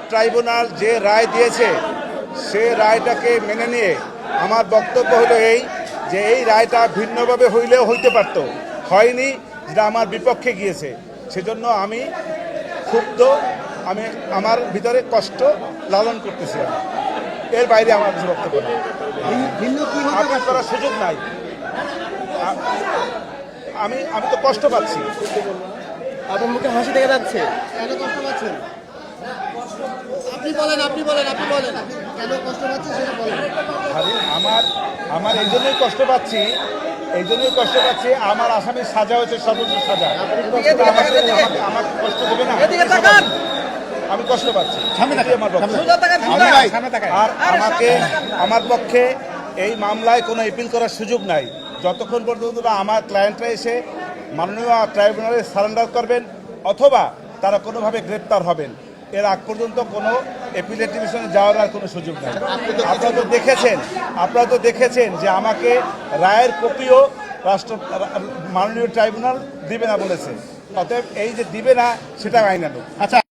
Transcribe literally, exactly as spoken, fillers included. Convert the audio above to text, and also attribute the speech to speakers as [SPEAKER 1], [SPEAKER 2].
[SPEAKER 1] Tribunal যে রায় দিয়েছে সে রায়টাকে মেনে নিয়ে আমার বক্তব্য হলো এই যে এই রায়টা ভিন্নভাবে হইলেও হইতে পারত, হয়নি, যেটা আমার বিপক্ষে গিয়েছে। সেজন্য আমি ক্ষুব্ধ, আমি আমার ভিতরে কষ্ট লালন করতেছি। এর বাইরে আমার কিছু বক্তব্য নেই, আপিল করার সুযোগ নাই। আমি আমি তো কষ্ট পাচ্ছি।
[SPEAKER 2] আপনার মুখে হাসি দেখা যাচ্ছে।
[SPEAKER 3] কেন কষ্ট পাচ্ছেন? আপনি বলেন, আপনি বলেন, আপনি বলেন, কেন কষ্ট পাচ্ছেন সেটা বলেন।
[SPEAKER 1] আরে আমার আমার এই জন্যই কষ্ট পাচ্ছি, এই জন্যই কষ্ট পাচ্ছি আমার আসামির সাজা হয়েছে সর্বোচ্চ সাজা। আমাকে আমাকে কষ্ট দেবে না, আমি কষ্ট পাচ্ছি। আমার পক্ষে। আর আমাকে আমার পক্ষে এই মামলায় কোনো এপিল করার সুযোগ নাই যতক্ষণ পর্যন্ত না আমার ক্লায়েন্টরা এসে মাননীয় ট্রাইব্যুনালে সারেন্ডার করবেন অথবা তারা কোনোভাবে গ্রেপ্তার হবেন। এর আগ পর্যন্ত কোনো এপিলেট ডিভিশনে যাওয়ার আর কোনো সুযোগ নেই। আপনারা তো দেখেছেন আপনারা তো দেখেছেন যে আমাকে রায়ের কপিও রাষ্ট্র মাননীয় ট্রাইব্যুনাল দিবে না বলেছে। অতএব এই যে দিবে না সেটা আইনানুগ।
[SPEAKER 4] আচ্ছা।